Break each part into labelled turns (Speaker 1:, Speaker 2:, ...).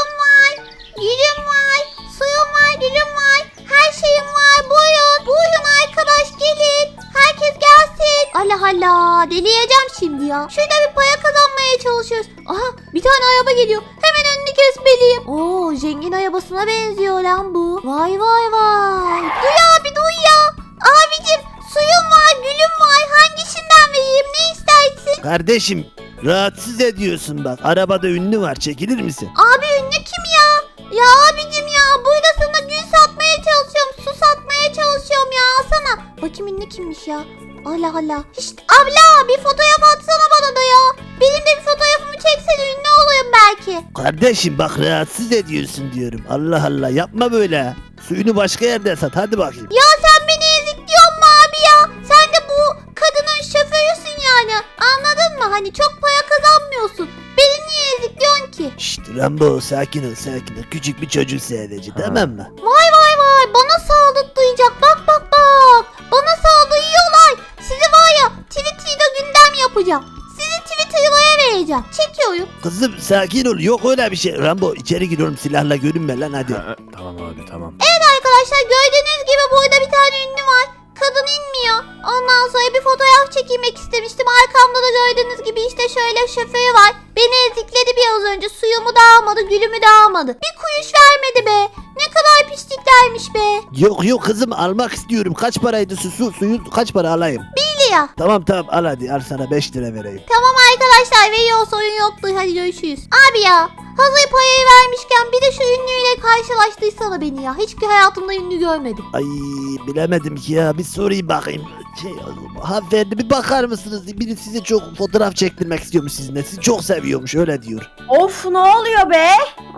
Speaker 1: Suyum var. Gülüm var. Suyum var, gülüm var. Her şeyim var. Buyurun. Buyurun arkadaş gelin. Herkes gelsin. Allah Allah. Deliyeceğim şimdi ya. Şurada bir para kazanmaya çalışıyoruz. Aha bir tane araba geliyor. Hemen önünü kesmeliyim. Oo zengin arabasına benziyor lan bu. Vay vay vay. Duy abi duy ya. Abicim suyum var, gülüm var. Hangisinden vereyim? Ne istersin?
Speaker 2: Kardeşim rahatsız ediyorsun bak. Arabada ünlü var. Çekilir misin?
Speaker 1: Abi ünlü kim ya? Ya abicim ya burada sana gül satmaya çalışıyorum. Su satmaya çalışıyorum ya. Alsana. Bakayım ünlü kimmiş ya? Allah Allah. İşte abla bir fotoğraf atsana bana da ya. Benim de bir fotoğrafımı çeksen ünlü olayım belki.
Speaker 2: Kardeşim bak rahatsız ediyorsun diyorum. Allah Allah yapma böyle. Suyunu başka yerde sat. Hadi bakayım.
Speaker 1: Ya sen beni ezikliyorsun mu abi ya? Sen de bu kadının şoförüsün yani. Anladın mı? Hani çok para kazanmıyorsun. Beni niye ezikliyorsun ki?
Speaker 2: Şşt Rambo sakin ol sakin ol. Küçük bir çocuk sadece tamam mı?
Speaker 1: Vay vay vay bana saldırtlayacak bak bak bak. Bana saldırıyorlar. Sizi var ya Twitter'da gündem yapacağım. Sizi Twitter'aya vereceğim. Çekiyorum.
Speaker 2: Kızım sakin ol. Yok öyle bir şey. Rambo içeri giriyorum silahla görünme lan hadi.
Speaker 3: Tamam abi tamam.
Speaker 1: Evet arkadaşlar gördüğünüz gibi burada bir tane ünlü var. Kadın inmiyor. Ondan sonra bir fotoğraf çekilmek istemiştim. Arkamda da gördüğünüz gibi işte şöyle şoförü var. Beni ezikledi biraz önce. Suyumu da almadı, gülümü de almadı. Bir kuruş vermedi be. Ne kadar pisliklermiş be.
Speaker 2: Yok kızım almak istiyorum. Kaç paraydı suyu kaç para alayım?
Speaker 1: Biliyor.
Speaker 2: Tamam al hadi al sana 5 lira vereyim.
Speaker 1: Tamam arkadaşlar veriyor sorun yoktu. Hadi görüşürüz. Abi ya hazır parayı vermişken bir de şu ünlüyle karşılaştırsana beni ya. Hiçbir hayatımda ünlü görmedim.
Speaker 2: Ay bilemedim ki ya bir sorayım bakayım. Hanımefendi bir bakar mısınız? Biri size çok fotoğraf çektirmek istiyormuş sizinle. Sizi çok seviyormuş öyle diyor.
Speaker 4: Of ne oluyor be?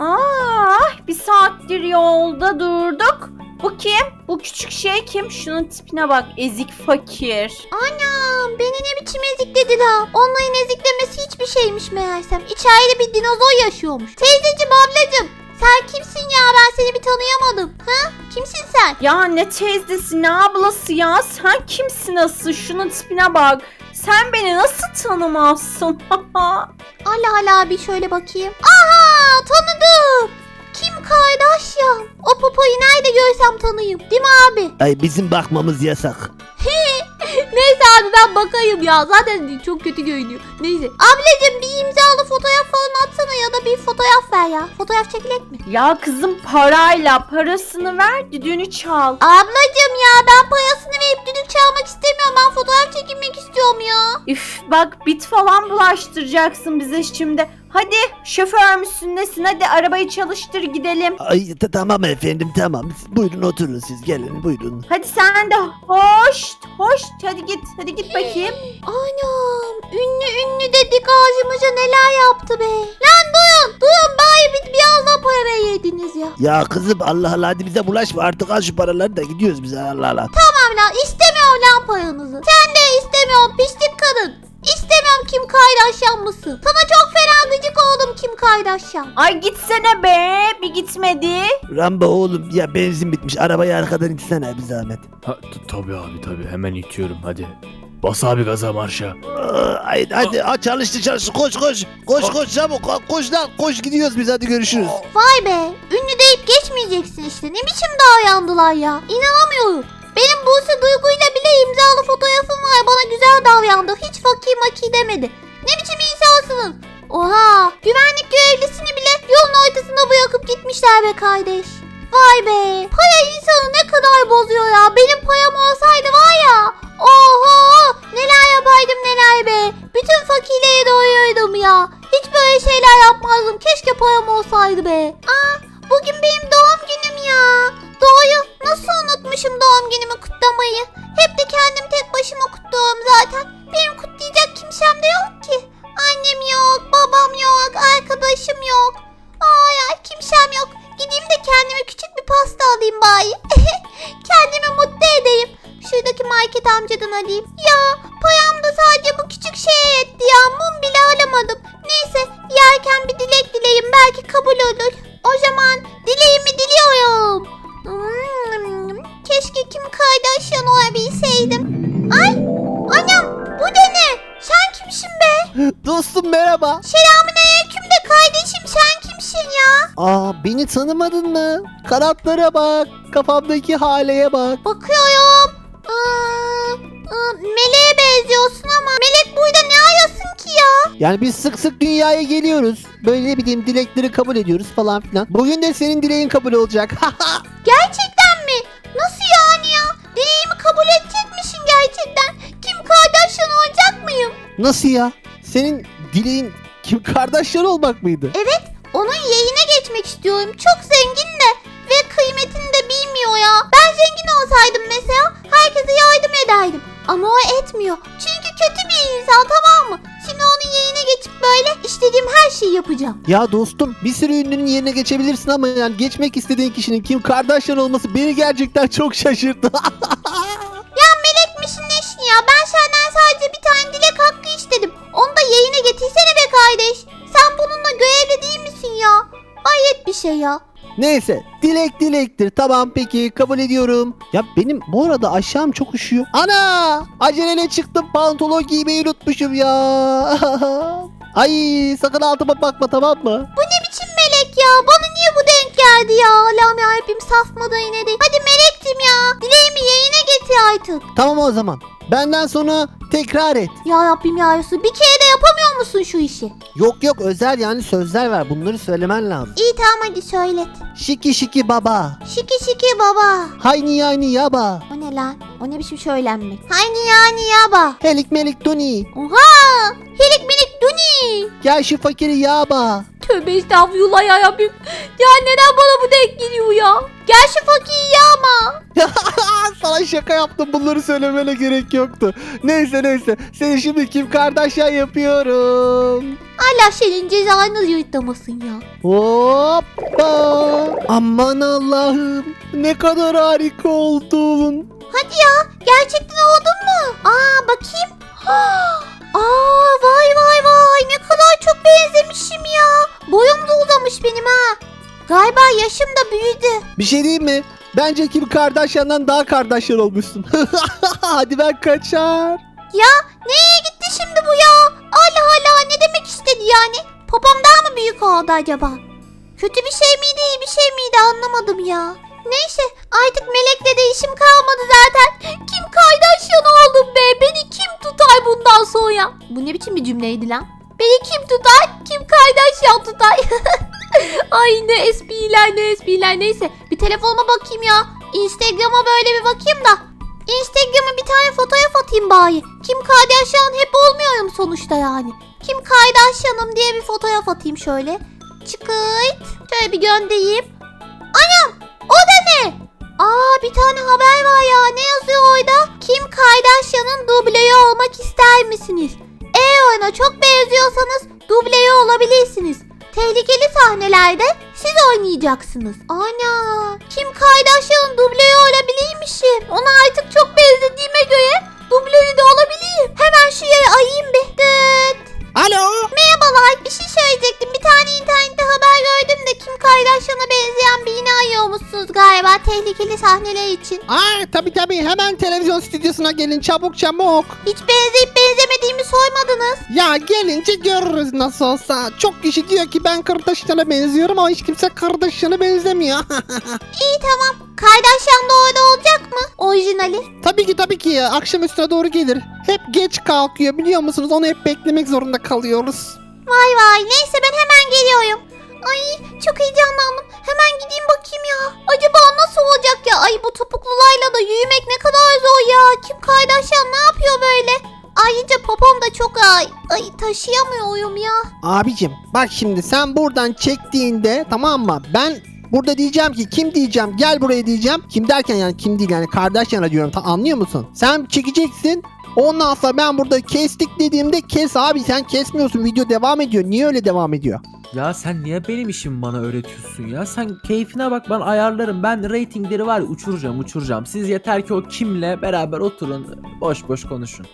Speaker 4: Bir saattir yolda durduk. Bu kim? Bu küçük şey kim? Şunun tipine bak. Ezik fakir.
Speaker 1: Anam beni ne biçim ezikledi la. Onların eziklemesi hiçbir şeymiş meğersem. İçeride bir dinozor yaşıyormuş. Teyzeciğim ablacığım sen kimsin ya ben seni bir tanıyamadım. Ha? Kimsin sen?
Speaker 4: Ya ne teyzesi ne ablası ya? Sen kimsin asıl? Şunun tipine bak. Sen beni nasıl tanımazsın?
Speaker 1: Allah Allah bir şöyle bakayım. Aha tanıdım. Kim Kardashian? O popoyu nerede görsem tanıyım. Değil mi abi?
Speaker 2: Ay bizim bakmamız yasak.
Speaker 1: Neyse abi ben bakayım ya. Zaten çok kötü görünüyor. Neyse. Ablacığım bir imzalı fotoğraf falan atsana ya da bir fotoğraf ver ya. Fotoğraf çekilek mi?
Speaker 4: Ya kızım parasını ver düdüğünü çal.
Speaker 1: Ablacığım ya ben parasını verip düdük çalmak istemiyorum. Ben fotoğraf çekilmek istiyorum ya.
Speaker 4: Üf bak bit falan bulaştıracaksın bize şimdi. Hadi şoför müsün nesin? Hadi arabayı çalıştır gidelim.
Speaker 2: Ay tamam efendim tamam. Buyurun oturun siz gelin buyurun.
Speaker 4: Hadi sen de hoş hadi git bakayım.
Speaker 1: Anam ünlü dedik ağzımıza neler yaptı be. Lan duyun bari biraz daha para veriyordunuz ya.
Speaker 2: Ya kızım Allah Allah hadi bize bulaşma artık al şu paraları da gidiyoruz biz Allah Allah.
Speaker 1: Tamam lan istemiyorum lan paranızı. Sen de istemiyorum pislik kadın. İstemiyorum Kim Kardashian mısın? Sana çok fena gıcık oldum Kim Kardashian.
Speaker 4: Ay gitsene be bir gitmedi.
Speaker 2: Rambo oğlum ya benzin bitmiş arabayı arkadan itsene bir zahmet.
Speaker 3: Tabii abi tabii hemen itiyorum hadi. Bas abi gaza marşa.
Speaker 2: Hadi çalıştı koş çabuk koş lan koş gidiyoruz biz hadi görüşürüz.
Speaker 1: Vay be ünlü deyip geçmeyeceksin işte. Ne biçim davrandılar ya. İnanamıyorum. Benim Buse Duygu'yla bile imzalı fotoğrafım var. Bana güzel davrandı. Hiç fakir maki demedi. Ne biçim insansınız? Oha güvenlik görevlisini bile yolun ortasında bırakıp gitmişler be kardeş. Vay be para insanı ne kadar bozuyor ya. Benim param olsaydı var ya. Oho neler yapardım neler be. Bütün fakirleri doyururdum ya. Hiç böyle şeyler yapmazdım. Keşke param olsaydı be. Bugün benim doğum günüm ya. Doğru. Nasıl unutmuşum doğum günümü kutlamayı. Hep de kendim tek başıma kutluyorum zaten. Benim kutlayacak kimsem de yok ki. Annem yok, babam yok, arkadaşım yok. Ay kimsem yok. Gideyim de kendime küçük bir pasta alayım bari. Kendimi mutlu edeyim. Şuradaki market amcadan alayım. Ya param da sadece bu küçük şeye yetti ya. Mum bile alamadım. Neyse yerken bir dilek dileyim belki kabul olur. O zaman dileğimi diliyorum. Keşke Kim Kardashian olabilseydim. Ay anam bu da ne? Sen kimsin be?
Speaker 2: Dostum merhaba.
Speaker 1: Selamünaleyküm de kardeşim sen kimsin ya?
Speaker 2: Aa, beni tanımadın mı? Kanatlara bak. Kafamdaki haleye bak.
Speaker 1: Bakıyorum. Meleğe benziyorsun ama Melek burada ne arasın ki ya?
Speaker 2: Yani biz sık sık dünyaya geliyoruz. Böyle ne bileyim dilekleri kabul ediyoruz falan filan. Bugün de senin dileğin kabul olacak.
Speaker 1: Gerçekten mi? Nasıl yani ya? Dileğimi kabul edecekmişsin gerçekten. Kim Kardashian olacak mıyım?
Speaker 2: Nasıl ya? Senin dileğin Kim Kardashian olmak mıydı?
Speaker 1: Evet, onun yeğine geçmek istiyorum. Çok zengin de ve kıymetini de bilmiyor ya. Ben zengin olsaydım mesela herkese yardım ederdim. Ama o etmiyor. Çünkü kötü bir insan, tamam mı? Şimdi onun yeğine geçip böyle istediğim her şeyi yapacağım.
Speaker 2: Ya dostum, bir sürü ünlünün yerine geçebilirsin ama yani geçmek istediğin kişinin Kim Kardashian olması beni gerçekten çok şaşırttı.
Speaker 1: Ya melekmişin neşin ya. Ben senden sadece bir tane dilek hakkı istedim. Onu da yeğine getirsene be kardeş. Sen bununla görevli değil misin ya? Hayret bir şey ya.
Speaker 2: Neyse, dilek dilektir. Tamam, peki, kabul ediyorum. Ya benim bu arada aşağım çok üşüyor. Ana! Aceleyle çıktım, pantolon giymeyi unutmuşum ya. Ay, sakın altıma bakma, tamam mı?
Speaker 1: Bu ne biçim melek ya? Bana niye bu denk geldi ya? Allah'ım yarabbim, saf mı da yine de. Hadi melektim ya. Dileğimi yeğine getir artık.
Speaker 2: Tamam o zaman. Benden sonra tekrar et.
Speaker 1: Ya Rabbim ya Resul, bir kere de yapamıyor musun şu işi?
Speaker 2: Yok özel yani sözler ver. Bunları söylemen lazım.
Speaker 1: İyi tamam, hadi söylet.
Speaker 2: Şiki şiki baba.
Speaker 1: Şiki şiki baba.
Speaker 2: Hayni yani yaba.
Speaker 1: O ne lan? O ne biçim söylenmek? Hayni yani yaba.
Speaker 2: Helik melik duni.
Speaker 1: Oha! Helik minik duni.
Speaker 2: Gel şu fakiri yaba.
Speaker 1: Tövbe estağfurullah ya Rabbim. Ya neden bana bu denk geliyor ya? Gel şu fakiri yağma.
Speaker 2: Sana şaka yaptım. Bunları söylemene gerek yoktu. Neyse. Seni şimdi Kim Kardashian yapıyorum.
Speaker 1: Allah senin cezanı yırtlamasın ya.
Speaker 2: Hoppa. Aman Allah'ım. Ne kadar harika oldun.
Speaker 1: Hadi ya, gerçekten oldun mu? Aa bakayım. Aa vay ne kadar çok benzemişim ya. Boyum da uzamış benim ha. Galiba yaşım da büyüdü.
Speaker 2: Bir şey diyeyim mi? Bence Kim Kardashian'dan daha Kardashian olmuşsun. Hadi ben kaçar.
Speaker 1: Ya nereye gitti şimdi bu ya? Allah Allah, ne demek istedi yani? Popom daha mı büyük oldu acaba? Kötü bir şey miydi, iyi bir şey miydi, anlamadım ya. Neyse, artık Melek'le de işim kalmadı zaten. Kim Kardashian oldum be. Beni kim tutar bundan sonra? Bu ne biçim bir cümleydi lan? Beni kim tutar? Kim Kardashian tutar? Ay ne espriler. Neyse, bir telefonuma bakayım ya. Instagram'a böyle bir bakayım da. Instagram'a bir tane fotoğraf atayım bari. Kim Kardashian hep olmuyorum sonuçta yani. Kim Kardashian'ım diye bir fotoğraf atayım şöyle. Çıkırt. Şöyle bir göndereyim. Anam! O da ne? Aa, bir tane haber var ya. Ne yazıyor orada? Kim Kardashian'ın dubleyi olmak ister misiniz? Eğer ona çok benziyorsanız dubleyi olabilirsiniz. Tehlikeli sahnelerde siz oynayacaksınız. Ana! Kim Kardashian'ın dubleyi olabilirmişim. Ona artık çok benzediğime göre dubleyi de olabilirim. Hemen şu yere ayayım bir. Dıt.
Speaker 2: Alo.
Speaker 1: Merhabalar, bir şey söyleyecektim. Bir tane internette haber gördüm de Kim Kardashian'a benzeyen birini arıyormuşsunuz galiba tehlikeli sahneler için.
Speaker 2: Aa, tabii hemen televizyon stüdyosuna gelin çabuk.
Speaker 1: Hiç benzeyip benzemediğimi sormadınız.
Speaker 2: Ya gelince görürüz nasıl olsa. Çok kişi diyor ki ben Kardashian'a benziyorum ama hiç kimse Kardashian'a benzemiyor.
Speaker 1: İyi tamam. Kardashian da orada olacak mı? Orijinali.
Speaker 2: Tabii ki ya. Akşam üstüne doğru gelir. Hep geç kalkıyor biliyor musunuz? Onu hep beklemek zorunda kalıyoruz.
Speaker 1: Vay neyse, ben hemen geliyorum. Ay çok heyecanlandım. Hemen gideyim bakayım ya. Acaba nasıl olacak ya? Ay bu topuklularla da yürümek ne kadar zor ya. Kim Kardashian ne yapıyor böyle? Ayrıca popom da çok ağır. Ay taşıyamıyorum ya.
Speaker 2: Abicim bak şimdi sen buradan çektiğinde tamam mı? Ben burada diyeceğim ki kim diyeceğim gel buraya diyeceğim. Kim derken yani kim değil yani Kardashian'a diyorum, anlıyor musun? Sen çekeceksin. Ondan sonra ben burada kestik dediğimde kes abi, sen kesmiyorsun, video devam ediyor. Niye öyle devam ediyor?
Speaker 3: Ya sen niye benim işimi bana öğretiyorsun ya? Sen keyfine bak, ben ayarlarım. Ben reytingleri var ya, uçuracağım. Siz yeter ki o kimle beraber oturun, boş konuşun.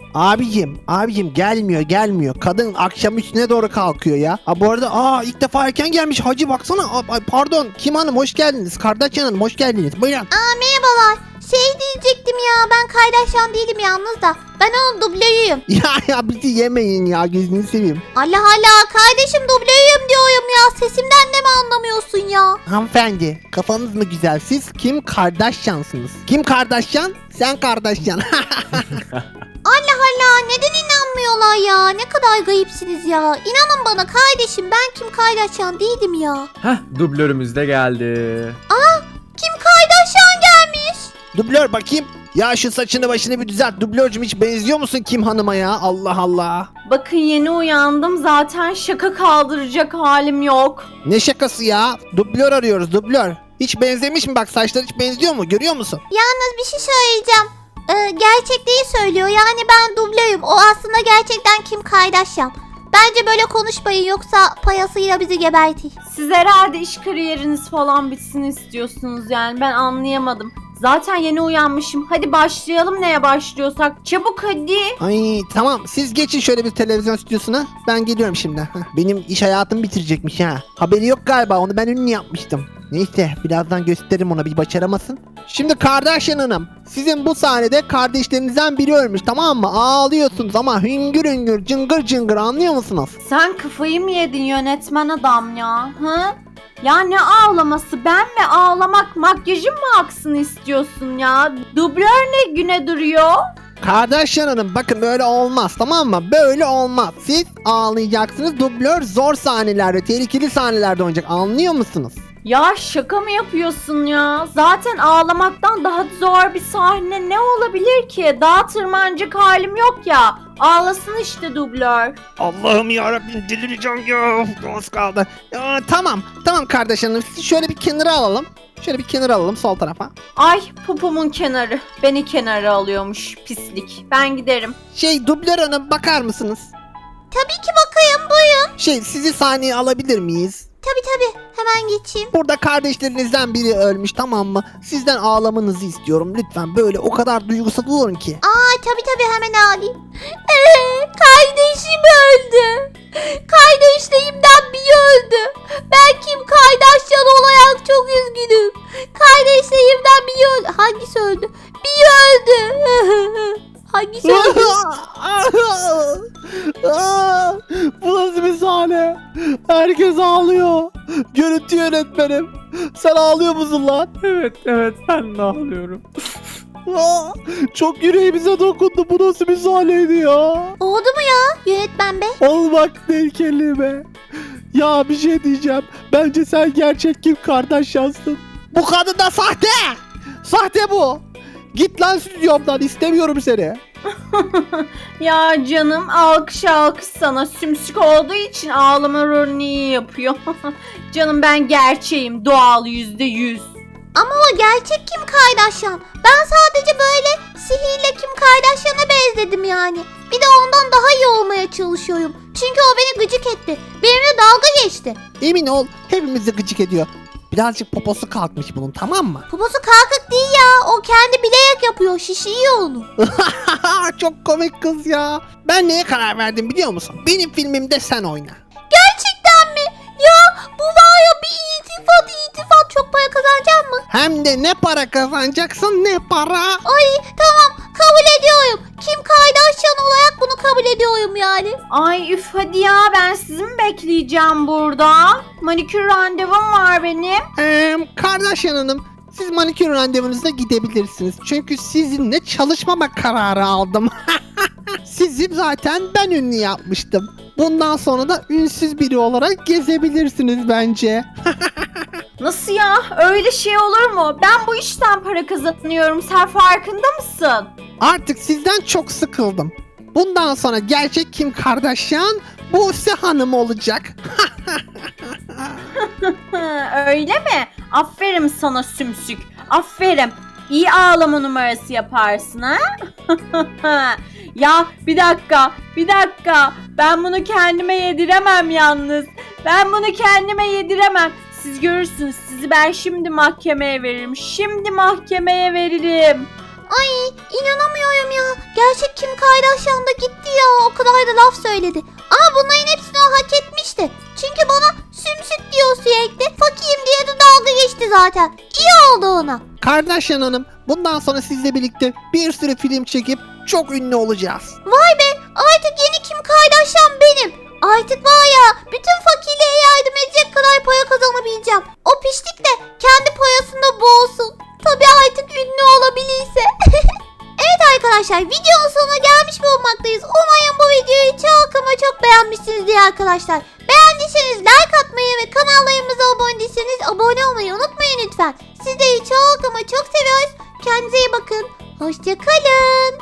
Speaker 2: Abicim gelmiyor. Kadın akşam üstüne doğru kalkıyor ya. Ha bu arada ilk defa erken gelmiş hacı, baksana. Pardon, Kim Hanım hoş geldiniz. Kardashian Hanım hoş geldiniz. Buyurun.
Speaker 1: Merhabalar. Diyecektim ya, ben Kardashian değilim yalnız da. Ben onun dublörüyüm.
Speaker 2: Ya bizi yemeyin ya, gözünü seveyim.
Speaker 1: Allah Allah, kardeşim dublörüyüm diyorum ya? Sesimden de mi anlamıyorsun ya?
Speaker 2: Hanımefendi kafanız mı güzel? Siz Kim Kardashian'sınız. Kim Kardashian? Sen Kardashian.
Speaker 1: Allah Allah, neden inanmıyorlar ya? Ne kadar gayipsiniz ya. İnanın bana kardeşim, ben Kim Kardashian değilim ya.
Speaker 3: Heh, dublörümüz de geldi.
Speaker 1: Kim Kardashian gelmiş.
Speaker 2: Dublör bakayım. Ya şu saçını başını bir düzelt. Dublörcüm hiç benziyor musun Kim Hanım'a ya? Allah Allah.
Speaker 4: Bakın yeni uyandım zaten şaka kaldıracak halim yok.
Speaker 2: Ne şakası ya? Dublör arıyoruz dublör. Hiç benzemiş mi bak, saçları hiç benziyor mu? Görüyor musun?
Speaker 1: Yalnız bir şey söyleyeceğim. Gerçekliği söylüyor. Yani ben dublörüm. O aslında gerçekten Kim Kardashian. Bence böyle konuşmayın, yoksa payasıyla bizi gebertir.
Speaker 4: Siz herhalde iş kariyeriniz falan bitsin istiyorsunuz yani ben anlayamadım. Zaten yeni uyanmışım. Hadi başlayalım neye başlıyorsak. Çabuk hadi.
Speaker 2: Ay tamam, siz geçin şöyle bir televizyon stüdyosuna. Ben geliyorum şimdi. Benim iş hayatımı bitirecekmiş ha. Haberi yok galiba, onu ben ünlü yapmıştım. Neyse birazdan gösteririm ona, bir başaramasın. Şimdi Kardashian Hanım, sizin bu sahnede kardeşlerinizden biri ölmüş, tamam mı? Ağlıyorsunuz ama hüngür hüngür cıngır cıngır, anlıyor musunuz?
Speaker 4: Sen kafayı mı yedin yönetmen adam ya? Hı? Ya ne ağlaması? Ben mi ağlamak, makyajım mı aksın istiyorsun ya? Dublör ne güne duruyor?
Speaker 2: Kardashian Hanım bakın, böyle olmaz, tamam mı? Böyle olmaz. Siz ağlayacaksınız, dublör zor sahnelerde, tehlikeli sahnelerde oynayacak, anlıyor musunuz?
Speaker 4: Ya şaka mı yapıyorsun ya? Zaten ağlamaktan daha zor bir sahne ne olabilir ki? Daha tırmancık halim yok ya. Ağlasın işte dublör.
Speaker 2: Allah'ım yarabbim, delireceğim ya. Az kaldı. Ya, tamam Kardashian Hanım, sizi şöyle bir kenara alalım. Şöyle bir kenara alalım, sol tarafa.
Speaker 4: Ay popomun kenarı. Beni kenara alıyormuş pislik. Ben giderim.
Speaker 2: Dublör Hanım bakar mısınız?
Speaker 1: Tabii ki bakayım, buyurun.
Speaker 2: Sizi sahneye alabilir miyiz?
Speaker 1: Tabii hemen geçeyim.
Speaker 2: Burada kardeşlerinizden biri ölmüş, tamam mı? Sizden ağlamanızı istiyorum lütfen, böyle o kadar duygusal olun ki.
Speaker 1: Tabii hemen alayım. Kardeşim öldü. Kardeşlerimden biri öldü. Ben Kim Kardashian olarak çok üzgünüm. Kardeşlerimden biri öldü. Hangisi öldü? Biri öldü. Hangisi öldü?
Speaker 2: Bu nasıl bir sahne? Herkes ağlıyor. Görüntü yönetmenim. Sen ağlıyor musun lan?
Speaker 3: Evet ben de ağlıyorum.
Speaker 2: Çok yüreğimize dokundu. Bu nasıl bir sahneydi ya?
Speaker 1: Oldu mu ya yönetmen bey?
Speaker 2: Olmak değil kelime. Ya bir şey diyeceğim. Bence sen gerçek Kim Kardashian'sın. Bu kadın da sahte. Sahte bu. Git lan stüdyomdan, istemiyorum seni.
Speaker 4: Ya canım alkış sana sümsük olduğu için ağlama rolünü iyi yapıyor. Canım ben gerçeğim doğal %100.
Speaker 1: Ama o gerçek Kim Kardashian. Ben sadece böyle sihirle Kim Kardashian'a benzedim yani. Bir de ondan daha iyi olmaya çalışıyorum. Çünkü o beni gıcık etti. Benimle dalga geçti.
Speaker 2: Emin ol, hepimizi gıcık ediyor. Birazcık poposu kalkmış bunun, tamam mı?
Speaker 1: Poposu kalkık değil ya. O kendi bilerek yapıyor. Şişiyor onu.
Speaker 2: Çok komik kız ya. Ben neye karar verdim biliyor musun? Benim filmimde sen oyna.
Speaker 1: Gerçekten mi? Ya bu var ya, bir iltifat. Çok para kazanacağım mı?
Speaker 2: Hem de ne para kazanacaksın, ne para.
Speaker 1: Ay tamam, kabul ediyorum. Kim Kardashian olarak bunu kabul ediyorum yani.
Speaker 4: Ay üf hadi ya ben sizi mi bekleyeceğim burada? Manikür randevum var benim.
Speaker 2: Kardashian Hanım, siz manikür randevunuza gidebilirsiniz. Çünkü sizinle çalışmama kararı aldım. Sizi zaten ben ünlü yapmıştım. Bundan sonra da ünsüz biri olarak gezebilirsiniz bence.
Speaker 4: Nasıl ya? Öyle şey olur mu? Ben bu işten para kazanıyorum. Sen farkında mısın?
Speaker 2: Artık sizden çok sıkıldım. Bundan sonra gerçek Kim Kardashian Buse Hanım olacak.
Speaker 4: Öyle mi? Aferin sana sümsük. Aferin. İyi ağlama numarası yaparsın ha? Ya bir dakika. Ben bunu kendime yediremem yalnız. Siz görürsünüz. Sizi ben şimdi mahkemeye veririm.
Speaker 1: Ay inanamıyorum ya. Gerçek Kim Kardashian da gitti ya. O kadar da laf söyledi. Ama bunların hepsini o hak etmişti. Çünkü bana sümsük diyor sürekli. Fakiyim diye de dalga geçti zaten. İyi oldu ona.
Speaker 2: Kardashian Hanım, bundan sonra sizle birlikte bir sürü film çekip çok ünlü olacağız.
Speaker 1: Vay be, artık yeni Kim Kardashian benim. Artık var ya bütün fakirliğe yardım edecek kadar para kazanabileceğim. O piştik de kendi parasında boğulsun. Tabii artık ünlü olabilirse. Evet arkadaşlar videonun sonuna gelmiş bulunmaktayız. Umarım bu videoyu çok ama çok beğenmişsinizdir arkadaşlar. Beğendiyseniz like atmayı ve kanallarımıza abone değilseniz abone olmayı unutmayın lütfen. Sizleri çok ama çok seviyoruz. Kendinize iyi bakın. Hoşçakalın.